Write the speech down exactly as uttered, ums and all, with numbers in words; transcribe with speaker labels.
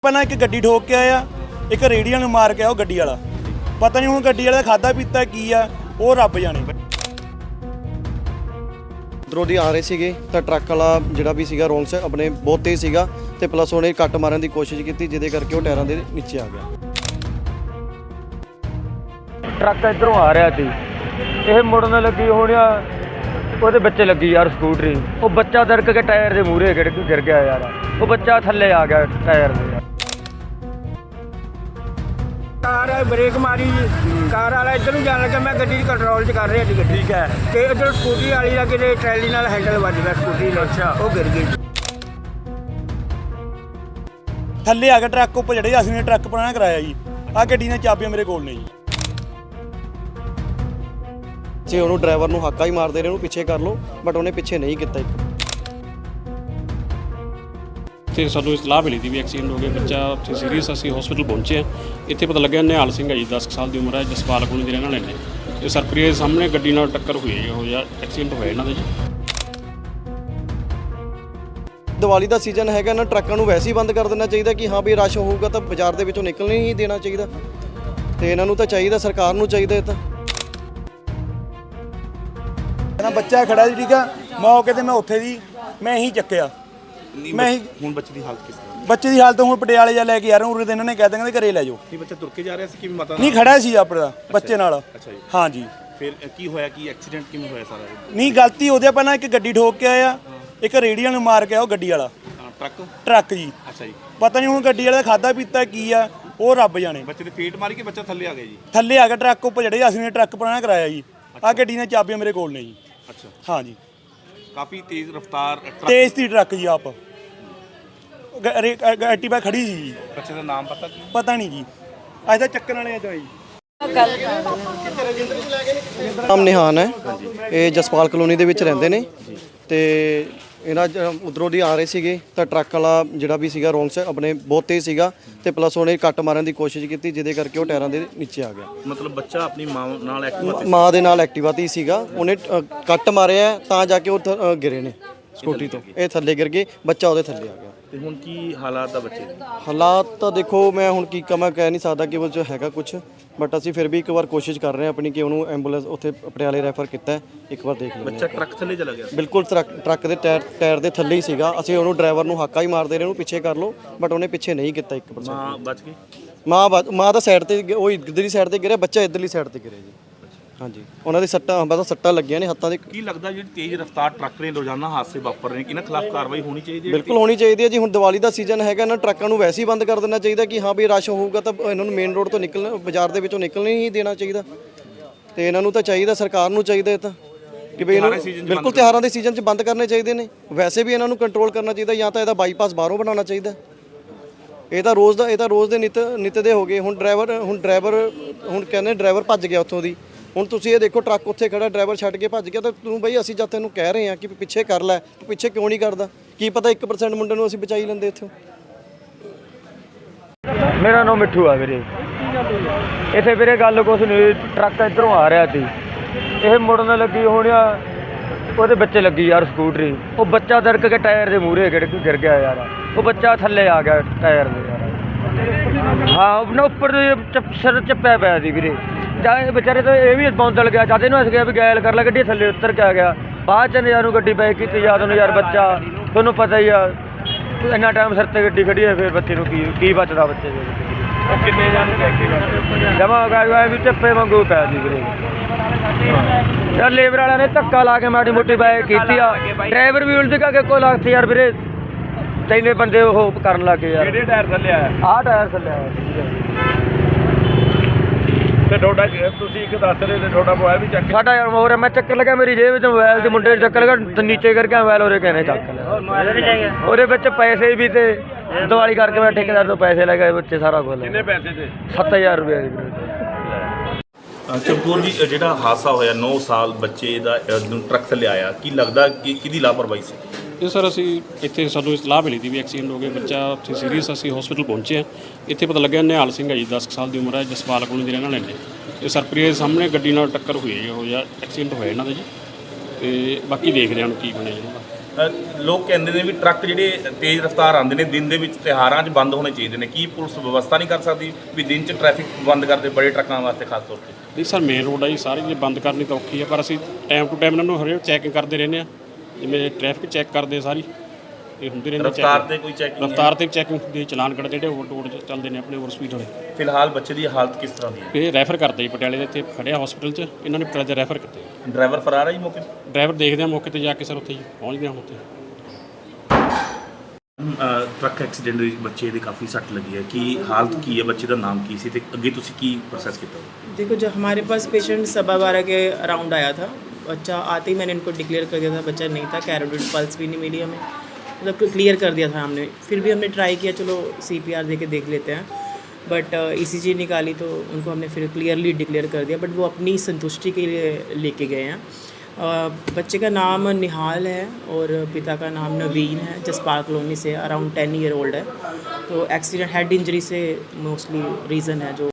Speaker 1: ਪਹਿਲਾਂ ਇੱਕ ਗੱਡੀ ਠੋਕ ਕੇ ਆਇਆ, ਇੱਕ ਰੇੜੀਆਂ ਨੂੰ ਮਾਰ ਕੇ ਆ ਉਹ ਗੱਡੀ ਵਾਲਾ। ਪਤਾ ਨਹੀਂ ਹੁਣ ਗੱਡੀ ਵਾਲੇ ਦਾ ਖਾਦਾ ਪੀਤਾ ਕੀ ਆ, ਉਹ ਰੱਬ ਜਾਣੇ।
Speaker 2: ਉਧਰੋਂ ਦੀ ਆ ਰਹੇ ਸੀਗੇ ਤਾਂ ਟਰੱਕ ਵਾਲਾ ਜਿਹੜਾ ਵੀ ਸੀਗਾ ਰੋਂਗ ਸਾਈਡ ਆਪਣੇ ਬਹੁਤ ਤੇਜ਼ ਸੀਗਾ ਤੇ ਪਲੱਸ ਉਹਨੇ ਕੱਟ ਮਾਰਨ ਦੀ ਕੋਸ਼ਿਸ਼ ਕੀਤੀ, ਜਿਹਦੇ ਕਰਕੇ ਉਹ ਟਾਇਰਾਂ ਦੇ ਨੀਚੇ ਆ ਗਿਆ।
Speaker 3: ਟਰੱਕ ਇੱਧਰੋਂ ਆ ਰਿਹਾ ਸੀ, ਇਹ ਮੁੜਨ ਲੱਗੀ ਹੋਣਿਆ, ਉਹਦੇ ਬੱਚੇ ਲੱਗੀ ਯਾਰ ਸਕੂਟਰੀ, ਉਹ ਬੱਚਾ ਦਰਕ ਕੇ ਟਾਇਰ ਦੇ ਮੂਹਰੇ ਗਿਰ ਗਿਰ ਗਿਆ ਯਾਰ, ਉਹ ਬੱਚਾ ਥੱਲੇ ਆ ਗਿਆ ਟਾਇਰ ਦੇ।
Speaker 4: ਕਾਰ ਬ੍ਰੇਕ ਮਾਰੀ, ਕਾਰ ਵਾਲਾ ਇੱਧਰ ਨੂੰ ਜਾਣ ਲੱਗਾ, ਮੈਂ ਗੱਡੀ ਕੰਟਰੋਲ 'ਚ ਕਰ ਰਿਹਾ ਸੀ ਗੱਡੀ। ਠੀਕ ਹੈ। ਤੇ ਇੱਧਰ ਸਕੂਟਰੀ ਵਾਲੀ ਦਾ ਕਿਤੇ ਟਰੈਲੀ ਨਾਲ ਹੈਂਡਲ ਵੱਜ ਗਿਆ ਸਕੂਟਰੀ ਦਾ। ਅੱਛਾ। ਉਹ ਗਿਰ ਗਈ।
Speaker 1: ਥੱਲੇ ਆ ਗਿਆ ਟਰੱਕ ਉੱਪਰ ਜਿਹੜੇ ਅਸੀਂ ਨੇ ਟਰੱਕ ਪੁਰਾਣਾ ਕਰਾਇਆ ਜੀ। ਆਹ ਗੱਡੀ ਦੀਆਂ ਚਾਬੀਆਂ ਮੇਰੇ ਕੋਲ ਨੇ ਜੀ।
Speaker 2: ਜੇ ਉਹਨੂੰ ਡਰਾਈਵਰ ਨੂੰ ਹਾਕਾ ਹੀ ਮਾਰਦੇ ਰਹੇ, ਉਹਨੂੰ ਪਿੱਛੇ ਕਰ ਲਓ, ਬਟ ਉਹਨੇ ਪਿੱਛੇ ਨਹੀਂ ਕੀਤਾ। ਇੱਕ
Speaker 5: ਇੱਥੇ ਸਾਨੂੰ ਇਤਲਾਹ ਮਿਲੀ ਸੀ ਵੀ ਐਕਸੀਡੈਂਟ ਹੋ ਗਿਆ, ਬੱਚਾ ਉੱਥੇ ਸੀਰੀਅਸ। ਅਸੀਂ ਹਸਪੀਟਲ ਪਹੁੰਚੇ ਹਾਂ। ਇੱਥੇ ਪਤਾ ਲੱਗਿਆ ਨਿਹਾਲ ਸਿੰਘ ਹੈ ਜੀ, ਦਸ ਸਾਲ ਦੀ ਉਮਰ ਹੈ, ਜਸਪਾਲ ਕਲੋਨੀ ਦੇ ਰਹਿਣ ਵਾਲੇ ਨੇ। ਇਹ ਸਰਪ੍ਰੀਆ ਦੇ ਸਾਹਮਣੇ ਗੱਡੀ ਨਾਲ ਟੱਕਰ ਹੋਈ ਹੈ, ਉਹ ਜਾਂ ਐਕਸੀਡੈਂਟ ਹੋਇਆ ਇਹਨਾਂ ਦਾ ਜੀ।
Speaker 2: ਦੀਵਾਲੀ ਦਾ ਸੀਜ਼ਨ ਹੈਗਾ ਨਾ, ਟਰੱਕਾਂ ਨੂੰ ਵੈਸੇ ਹੀ ਬੰਦ ਕਰ ਦੇਣਾ ਚਾਹੀਦਾ ਕਿ ਹਾਂ ਵੀ ਰਸ਼ ਹੋਊਗਾ ਤਾਂ ਬਾਜ਼ਾਰ ਦੇ ਵਿੱਚੋਂ ਨਿਕਲਣ ਨਹੀਂ ਦੇਣਾ ਚਾਹੀਦਾ। ਤੇ ਇਹਨਾਂ ਨੂੰ ਤਾਂ ਚਾਹੀਦਾ, ਸਰਕਾਰ ਨੂੰ ਚਾਹੀਦਾ ਇਹ ਤਾਂ।
Speaker 1: ਬੱਚਾ ਖੜਾ ਜੀ, ਠੀਕ ਆ, ਮੌਕੇ ਤੇ ਮੈਂ ਉੱਥੇ ਦੀ ਮੈਂ ਹੀ ਚੱਕਿਆ। ਮੈਂ ਹੀ
Speaker 6: ਹੁਣ ਬੱਚੇ ਦੀ ਹਾਲਤ ਕਿਸ ਤਰ੍ਹਾਂ?
Speaker 1: ਬੱਚੇ ਦੀ ਹਾਲਤ ਹੁਣ ਪਟਿਆਲੇ ਜਾ ਲੈ ਕੇ ਆ ਰਹੇ, ਉਰੇ ਤੇ ਇਹਨਾਂ ਨੇ ਕਹਿ ਦਿੰਦੇ ਘਰੇ ਲੈ ਜਾਓ।
Speaker 6: ਕੀ ਬੱਚਾ ਤੁਰ ਕੇ ਜਾ ਰਿਹਾ ਸੀ ਕਿ ਮਾਤਾ
Speaker 1: ਨਹੀਂ ਖੜਾ ਸੀ ਆਪਣਾ ਬੱਚੇ ਨਾਲ।
Speaker 6: ਅੱਛਾ ਜੀ।
Speaker 1: ਹਾਂ ਜੀ।
Speaker 6: ਫਿਰ ਕੀ ਹੋਇਆ, ਕੀ ਐਕਸੀਡੈਂਟ ਕਿਵੇਂ ਹੋਇਆ ਸਾਰਾ?
Speaker 1: ਨਹੀਂ ਗਲਤੀ ਉਹਦੇ ਪਹਿਲਾਂ ਇੱਕ ਗੱਡੀ ਠੋਕ ਕੇ ਆਇਆ, ਇੱਕ ਰੇੜੀਆਂ ਨੂੰ ਮਾਰ ਕੇ ਆ ਉਹ ਗੱਡੀ ਵਾਲਾ।
Speaker 6: ਟਰੱਕ
Speaker 1: ਟਰੱਕ ਜੀ।
Speaker 6: ਅੱਛਾ ਜੀ।
Speaker 1: ਪਤਾ ਨਹੀਂ ਹੁਣ ਗੱਡੀ ਵਾਲੇ ਦਾ ਖਾਦਾ ਪੀਤਾ ਕੀ ਆ, ਉਹ ਰੱਬ ਜਾਣੇ।
Speaker 6: ਬੱਚੇ ਦੇ ਫੇਟ ਮਾਰੀ ਕਿ ਬੱਚਾ ਥੱਲੇ ਆ ਗਿਆ ਜੀ?
Speaker 1: ਥੱਲੇ ਆ ਗਿਆ ਟਰੱਕ ਉੱਪਰ ਜਿਹੜੇ ਅਸੀਂ ਨੇ ਟਰੱਕ ਪੁਰਾਣਾ ਕਰਾਇਆ ਜੀ। ਆਹ ਗੱਡੀ ਦੀਆਂ ਚਾਬੀਆਂ ਮੇਰੇ ਕੋਲ ਨੇ ਜੀ।
Speaker 6: ਅੱਛਾ।
Speaker 1: ਹਾਂ ਜੀ।
Speaker 6: ਕਾਫੀ ਤੇਜ਼ ਰਫ਼ਤਾਰ ਟਰੱਕ।
Speaker 1: ਤੇਜ਼ ਸੀ ਟਰੱਕ ਜੀ। ਆਪ ਐਕਟਿਵਾ ਖੜੀ ਸੀ ਜੀ।
Speaker 6: ਬੱਚੇ ਦਾ ਨਾਮ ਪਤਾ ਕੀ?
Speaker 1: ਪਤਾ ਨਹੀਂ ਜੀ, ਅੱਜ ਤਾਂ ਚੱਕਣ ਵਾਲੇ ਆ ਤਾਂ ਜੀ।
Speaker 2: ਨਾਮ ਨਿਹਾਨ ਹੈ, ਇਹ ਜਸਪਾਲ ਕਲੋਨੀ ਦੇ ਵਿੱਚ ਰਹਿੰਦੇ ਨੇ। ਤੇ ਇਹਨਾਂ ਉਧਰੋਂ ਦੀ ਆ ਰਹੇ ਸੀਗੇ ਤਾਂ ਟਰੱਕ ਵਾਲਾ ਜਿਹੜਾ ਵੀ ਸੀਗਾ ਰੋਂਗ ਸਾਈਡ ਆਪਣੇ ਬਹੁਤ ਤੇਜ਼ ਸੀਗਾ ਤੇ ਪਲੱਸ ਉਹਨੇ ਕੱਟ ਮਾਰਨ ਦੀ ਕੋਸ਼ਿਸ਼ ਕੀਤੀ, ਜਿਹਦੇ ਕਰਕੇ ਉਹ ਟਾਇਰਾਂ ਦੇ ਨੀਚੇ ਆ ਗਿਆ।
Speaker 6: ਮਤਲਬ ਬੱਚਾ ਆਪਣੀ ਮਾਂ ਨਾਲ ਐਕਟਿਵਾ
Speaker 2: ਮਾਂ ਦੇ ਨਾਲ ਐਕਟਿਵਾ ਤੇ ਸੀਗਾ, ਉਹਨੇ ਅ, ਕੱਟ ਮਾਰਿਆ ਤਾਂ ਜਾ ਕੇ ਉਹ ਥ- ਅ, ਗਿਰੇ ਨੇ ਸਕੂਟਰੀ ਤੋਂ। ਇਹ ਥੱਲੇ ਗਿਰ ਗਏ, ਬੱਚਾ ਉਹਦੇ ਥੱਲੇ ਆ ਗਿਆ।
Speaker 6: ਤੇ ਹੁਣ ਕੀ ਹਾਲਾਤ ਆ ਬੱਚੇ ਦੇ?
Speaker 2: ਹਾਲਾਤ ਤਾਂ ਦੇਖੋ, ਮੈਂ ਹੁਣ ਕੀ ਕਹਾਂ, ਕਹਿ ਨਹੀਂ ਸਕਦਾ ਕਿ ਉਹ 'ਚ ਹੈਗਾ ਕੁਝ, ਬਟ ਅਸੀਂ ਫਿਰ ਵੀ ਇੱਕ ਵਾਰ ਕੋਸ਼ਿਸ਼ ਕਰ ਰਹੇ ਹਾਂ ਆਪਣੀ ਕਿ ਉਹਨੂੰ ਐਂਬੂਲੈਂਸ ਉੱਥੇ ਪਟਿਆਲੇ ਰੈਫਰ ਕੀਤਾ ਹੈ। ਇੱਕ ਵਾਰ ਦੇਖ ਲੈਂਦੇ
Speaker 6: ਬੱਚਾ ਟਰੱਕ ਥੱਲੇ ਚਲਾ ਗਿਆ?
Speaker 2: ਬਿਲਕੁਲ ਟਰੱਕ ਟਰੱਕ ਦੇ ਟਾਇਰ ਟਾਇਰ ਦੇ ਥੱਲੇ ਹੀ ਸੀਗਾ। ਅਸੀਂ ਉਹਨੂੰ ਡਰਾਈਵਰ ਨੂੰ ਹਾਕਾ ਹੀ ਮਾਰਦੇ ਰਹੇ, ਉਹਨੂੰ ਪਿੱਛੇ ਕਰ ਲਓ, ਬਟ ਉਹਨੇ ਪਿੱਛੇ ਨਹੀਂ ਕੀਤਾ। ਇੱਕ ਪਰਸੈਂਟ
Speaker 6: ਮਾਂ ਬਚ ਗਈ?
Speaker 2: ਮਾਂ ਬਚ- ਮਾਂ ਤਾਂ ਸਾਈਡ ਤੇ, ਉਹ ਇੱਧਰਲੀ ਸਾਈਡ ਤੇ ਗਿਰਿਆ, ਬੱਚਾ ਇੱਧਰਲੀ ਸਾਈਡ ਤੇ ਗਿਰਿਆ ਜੀ। ਹਾਂਜੀ, ਉਹਨਾਂ ਦੇ ਸੱਟਾਂ ਬਸ ਸੱਟਾਂ ਲੱਗੀਆਂ ਨੇ ਹੱਥਾਂ ਦੇ।
Speaker 6: ਕੀ ਲੱਗਦਾ ਜਿਹੜੀ ਤੇਜ਼ ਰਫ਼ਤਾਰ ਟਰੱਕ ਨੇ ਰੋਜ਼ਾਨਾ ਹਾਦਸੇ ਵਾਪਰ ਰਹੇ ਨੇ, ਇਹਨਾਂ ਖਿਲਾਫ ਕਾਰਵਾਈ ਹੋਣੀ ਚਾਹੀਦੀ ਹੈ?
Speaker 2: ਬਿਲਕੁਲ ਹੋਣੀ ਚਾਹੀਦੀ ਹੈ ਜੀ। ਹੁਣ ਦੀਵਾਲੀ ਦਾ ਸੀਜ਼ਨ ਹੈਗਾ ਨਾ, ਟਰੱਕਾਂ ਨੂੰ ਵੈਸੇ ਹੀ ਬੰਦ ਕਰ ਦੇਣਾ ਚਾਹੀਦਾ ਕਿ ਹਾਂ ਵੀ ਰਸ਼ ਹੋਊਗਾ ਤਾਂ ਇਹਨਾਂ ਨੂੰ ਮੇਨ ਰੋਡ ਤੋਂ ਨਿਕਲਣ, ਬਾਜ਼ਾਰ ਦੇ ਵਿੱਚੋਂ ਨਿਕਲਣ ਨਹੀਂ ਦੇਣਾ ਚਾਹੀਦਾ। ਤੇ ਇਹਨਾਂ ਨੂੰ ਤਾਂ ਚਾਹੀਦਾ, ਸਰਕਾਰ ਨੂੰ ਚਾਹੀਦਾ ਇਹ ਤਾਂ ਕਿ ਵੀ ਇਹਨੂੰ ਬਿਲਕੁਲ ਤਿਉਹਾਰਾਂ ਦੇ ਸੀਜ਼ਨ 'ਚ ਬੰਦ ਕਰਨੇ ਚਾਹੀਦੇ ਨੇ। ਵੈਸੇ ਵੀ ਇਹਨਾਂ ਨੂੰ ਕੰਟਰੋਲ ਕਰਨਾ ਚਾਹੀਦਾ, ਜਾਂ ਤਾਂ ਇਹਦਾ ਬਾਈਪਾਸ ਬਾਹਰੋਂ ਬਣਾਉਣਾ ਚਾਹੀਦਾ। ਇਹ ਤਾਂ ਰੋਜ਼ ਦਾ ਇਹ ਤਾਂ ਰੋਜ਼ ਦੇ ਨਿਤ ਨਿਤ ਦੇ ਹੋ ਗਏ। ਹੁਣ ਡਰਾਈਵਰ ਹੁਣ ਡਰਾਈਵਰ ਹੁਣ ਕਹਿੰਦੇ ਡਰਾਈਵਰ ਭੱਜ ਗਿਆ ਉੱਥੋਂ ਦੀ। ਹੁਣ ਤੁਸੀਂ ਇਹ ਦੇਖੋ, ਟਰੱਕ ਉੱਥੇ ਖੜਾ, ਡਰਾਈਵਰ ਛੱਡ ਕੇ ਭੱਜ ਗਿਆ, ਤਾਂ ਤੂੰ ਬਈ ਅਸੀਂ ਜਦ ਤੈਨੂੰ ਕਹਿ ਰਹੇ ਹਾਂ ਕਿ ਪਿੱਛੇ ਕਰ ਲੈ, ਤੂੰ ਪਿੱਛੇ ਕਿਉਂ ਨਹੀਂ ਕਰਦਾ? ਕੀ ਪਤਾ ਇੱਕ ਪਰਸੈਂਟ ਮੁੰਡੇ ਨੂੰ ਅਸੀਂ ਬਚਾਈ ਲੈਂਦੇ ਇੱਥੋਂ।
Speaker 3: ਮੇਰਾ ਨਾਮ ਮਿੱਠੂ ਆ ਵੀਰੇ। ਇੱਥੇ ਵੀਰੇ ਗੱਲ ਕੁਛ ਨਹੀਂ, ਟਰੱਕ ਇੱਧਰੋਂ ਆ ਰਿਹਾ ਸੀ, ਇਹ ਮੁੜਨ ਲੱਗੀ ਹੋਣਿਆ, ਉਹਦੇ ਬੱਚੇ ਲੱਗੀ ਯਾਰ ਸਕੂਟਰੀ, ਉਹ ਬੱਚਾ ਦਰਕ ਕੇ ਟਾਇਰ ਦੇ ਮੂਹਰੇ ਗਿਰ ਗਿਰ ਗਿਆ ਯਾਰ, ਉਹ ਬੱਚਾ ਥੱਲੇ ਆ ਗਿਆ ਟਾਇਰ ਦੇ ਯਾਰ। ਹਾਂ, ਉਹਨਾਂ ਉੱਪਰ ਸਿਰ ਚੱਪਿਆ ਪਿਆ ਸੀ ਵੀਰੇ। ਜਾਂ ਇਹ ਵਿਚਾਰੇ ਤਾਂ ਇਹ ਵੀ ਬੌਂਦਲ ਗਿਆ, ਜਦ ਇਹਨੂੰ ਅਸੀਂ ਕਿਹਾ ਵੀ ਗੈਲ ਕਰ ਲੈ, ਗੱਡੀ ਥੱਲੇ ਉੱਤਰ ਕੇ ਆ ਗਿਆ। ਬਾਅਦ 'ਚ ਯਾਰ ਨੂੰ ਗੱਡੀ ਬੈਕ ਕੀਤੀ, ਯਾਦ ਨੂੰ ਯਾਰ ਬੱਚਾ ਤੁਹਾਨੂੰ ਪਤਾ ਹੀ ਆ, ਇੰਨਾ ਟਾਈਮ ਸਿਰ 'ਤੇ ਗੱਡੀ ਖੜੀ ਹੈ, ਫਿਰ ਬੱਚੇ ਨੂੰ ਕੀ ਕੀ ਬਚਦਾ ਬੱਚੇ ਦੇ? ਉਹ ਕਿੰਨੇ ਜਾਣੇ ਜਮਾ ਗਿਆ ਵੀ ਚੱਪੇ ਵਾਂਗੂ ਪੈ ਸੀ ਵੀਰੇ। ਯਾਰ ਲੇਬਰ ਵਾਲਿਆਂ ਨੇ ਧੱਕਾ ਲਾ ਕੇ ਮਾੜੀ ਮੋਟੀ ਬਾਈਕ ਕੀਤੀ ਆ, ਡਰਾਈਵਰ ਵੀ ਉਲਝ ਕੇ ਕੋਈ ਲੱਗ ਯਾਰ ਵੀਰੇ, ਤਿੰਨੇ ਬੰਦੇ ਉਹ ਕਰਨ ਲੱਗੇ ਯਾਰ।
Speaker 6: ਕਿਹੜੇ ਟਾਇਰ ਥੱਲੇ ਆਇਆ?
Speaker 3: ਆਹ ਟਾਇਰ ਥੱਲੇ ਆਇਆ
Speaker 6: ਤੇ ਤੁਹਾਡਾ ਤੁਸੀਂ ਇੱਕ ਦੱਸ ਰਹੇ ਤੇ ਤੁਹਾਡਾ ਮੋਬਾਈਲ ਵੀ ਚੱਕ?
Speaker 3: ਸਾਡਾ ਯਾਰ ਹੋਰ ਮੈਂ ਚੱਕਰ ਲੱਗਾ, ਮੇਰੀ ਜੇਬ ਵਿੱਚ ਮੋਬਾਈਲ ਤੇ ਮੁੰਡੇ ਨੇ ਚੱਕਰ ਲਗਾ, ਨੀਚੇ ਕਰਕੇ ਮੋਬਾਈਲ ਉਹਦੇ ਕਹਿੰਦੇ ਚੱਕ ਲਿਆ। ਉਹਦੇ ਵਿੱਚ ਪੈਸੇ ਵੀ ਤੇ ਦਿਵਾਲੀ ਕਰਕੇ ਮੈਂ ਠੇਕੇਦਾਰ ਤੋਂ ਪੈਸੇ ਲੈ ਗਏ ਬੱਚੇ, ਸਾਰਾ ਕੁਝ।
Speaker 6: ਕਿੰਨੇ ਪੈਸੇ ਤੇ?
Speaker 3: ਸੱਤ ਹਜ਼ਾਰ ਰੁਪਏ।
Speaker 6: ਚਮਕੌਰ ਜੀ, ਜਿਹੜਾ ਹਾਦਸਾ ਹੋਇਆ, ਨੌ ਸਾਲ ਬੱਚੇ ਦਾ ਟਰੱਕ ਥੱਲੇ ਆਇਆ, ਕੀ ਲੱਗਦਾ ਕਿ ਕਿਹਦੀ ਲਾਪਰਵਾਹੀ ਸੀ?
Speaker 5: ਇਹ ਸਰ ਅਸੀਂ ਇੱਥੇ ਸਾਨੂੰ ਇਤਲਾਹ ਮਿਲੀ ਸੀ ਵੀ ਐਕਸੀਡੈਂਟ ਹੋ ਗਿਆ, ਬੱਚਾ ਉੱਥੇ ਸੀਰੀਅਸ। ਅਸੀਂ ਹਸਪੀਟਲ ਪਹੁੰਚੇ ਹਾਂ। ਇੱਥੇ ਪਤਾ ਲੱਗਿਆ ਨਿਹਾਲ ਸਿੰਘ ਹੈ ਜੀ, ਦਸ ਸਾਲ ਦੀ ਉਮਰ ਹੈ, ਜਸਪਾਲ ਕਲੋਨੀ ਦੇ ਰਹਿਣ ਵਾਲੇ ਨੇ। ਇਹ ਸਰਪ੍ਰੀਆ ਦੇ ਸਾਹਮਣੇ ਗੱਡੀ ਨਾਲ ਟੱਕਰ ਹੋਈ ਹੈ, ਉਹ ਜਾਂ ਐਕਸੀਡੈਂਟ ਹੋਇਆ ਇਹਨਾਂ ਦਾ ਜੀ। ਤੇ ਬਾਕੀ ਦੇਖਦੇ ਹਾਂ ਕੀ ਬਣਿਆ ਇਹਨਾਂ ਦਾ।
Speaker 6: ਅ, ਲੋਕ ਕਹਿੰਦੇ ਨੇ ਵੀ ਟਰੱਕ ਜਿਹੜੇ ਤੇਜ਼ ਰਫ਼ਤਾਰ ਆਉਂਦੇ ਨੇ ਦਿਨ ਦੇ ਵਿੱਚ ਤਿਉਹਾਰਾਂ 'ਚ ਬੰਦ ਹੋਣੇ ਚਾਹੀਦੇ ਨੇ, ਕੀ ਪੁਲਿਸ ਵਿਵਸਥਾ ਨਹੀਂ ਕਰ ਸਕਦੀ ਵੀ ਦਿਨ 'ਚ ਟ੍ਰੈਫਿਕ ਬੰਦ ਕਰਦੇ ਬੜੇ ਟਰੱਕਾਂ ਵਾਸਤੇ ਖਾਸ ਤੌਰ ਤੇ?
Speaker 5: ਨਹੀਂ ਸਰ, ਮੇਨ ਰੋਡ ਆ ਜੀ, ਸਾਰੀ ਜੇ ਬੰਦ ਕਰਨੀ ਤਾਂ ਔਖੀ ਆ, ਪਰ ਅਸੀਂ ਟਾਈਮ ਟੂ ਟਾਈਮ ਇਹਨਾਂ ਨੂੰ ਹਰੇਕ ਚੈਕਿੰਗ ਕਰਦੇ ਰਹਿੰਦੇ ਆ, ਜਿਵੇਂ ਟ੍ਰੈਫਿਕ ਚੈੱਕ ਕਰਦੇ ਆ ਸਾਰੀ, ਇਹ ਹੁੰਦੀ ਰਹਿੰਦੀ
Speaker 6: ਰਫ਼ਤਾਰ
Speaker 5: checking।
Speaker 6: ਤੇ ਕੋਈ ਚੈਕਿੰਗ
Speaker 5: ਰਫ਼ਤਾਰ ਤੇ ਚੈਕਿੰਗ ਦੇ ਚਲਾਨ ਕੱਢਦੇ ਜਿਹੜੇ ਓਵਰ ਰੋਡ 'ਚ ਚੱਲਦੇ ਨੇ ਆਪਣੇ ਓਵਰ ਸਪੀਡ ਵਾਲੇ।
Speaker 6: ਫਿਲਹਾਲ ਬੱਚੇ ਦੀ ਹਾਲਤ ਕਿਸ ਤਰ੍ਹਾਂ ਦੀ ਹੈ?
Speaker 5: ਇਹ ਰੈਫਰ ਕਰਦੇ ਜੀ ਪਟਿਆਲੇ ਦੇ, ਇੱਥੇ ਖੜਿਆ ਹਸਪੀਟਲ 'ਚ, ਇਹਨਾਂ ਨੇ ਪਟਿਆਲੇ ਦੇ ਰੈਫਰ ਕੀਤੇ।
Speaker 6: ਡਰਾਈਵਰ ਫਰਾਰ ਹੈ ਜੀ ਮੌਕੇ ਤੇ?
Speaker 5: ਡਰਾਈਵਰ ਦੇਖਦੇ ਆ ਮੌਕੇ ਤੇ ਜਾ ਕੇ ਸਰ, ਉੱਥੇ ਜੀ ਪਹੁੰਚਦੇ ਆ ਉੱਥੇ।
Speaker 6: ਅ, ਟਰੱਕ ਐਕਸੀਡੈਂਟ ਦੇ ਵਿੱਚ ਬੱਚੇ ਦੀ ਕਾਫੀ ਸੱਟ ਲੱਗੀ ਹੈ, ਕੀ ਹਾਲਤ ਕੀ ਹੈ, ਬੱਚੇ ਦਾ ਨਾਮ ਕੀ ਸੀ ਤੇ ਅੱਗੇ ਤੁਸੀਂ ਕੀ ਪ੍ਰੋਸੈਸ ਕੀਤਾ?
Speaker 7: देखो, जब हमारे पास पेशेंट सवा बारह के अराउंड आया था, बच्चा आते ही मैंने इनको डिक्लेयर कर दिया था बच्चा नहीं था, कैरोटिड पल्स भी नहीं मिली हमें, मतलब क्लियर कर दिया था हमने। फिर भी हमने ट्राई किया चलो सी पी आर दे के देख लेते हैं, बट ई सी जी निकाली तो उनको हमने फिर क्लियरली डिक्लेयर कर दिया, बट वो अपनी संतुष्टि के लिए लेके गए हैं। अ, बच्चे का नाम निहाल है और पिता का नाम नवीन है, जसपाल कॉलोनी से, अराउंड टेन ईयर ओल्ड है। तो एक्सीडेंट हेड इंजरी से मोस्टली रीज़न है जो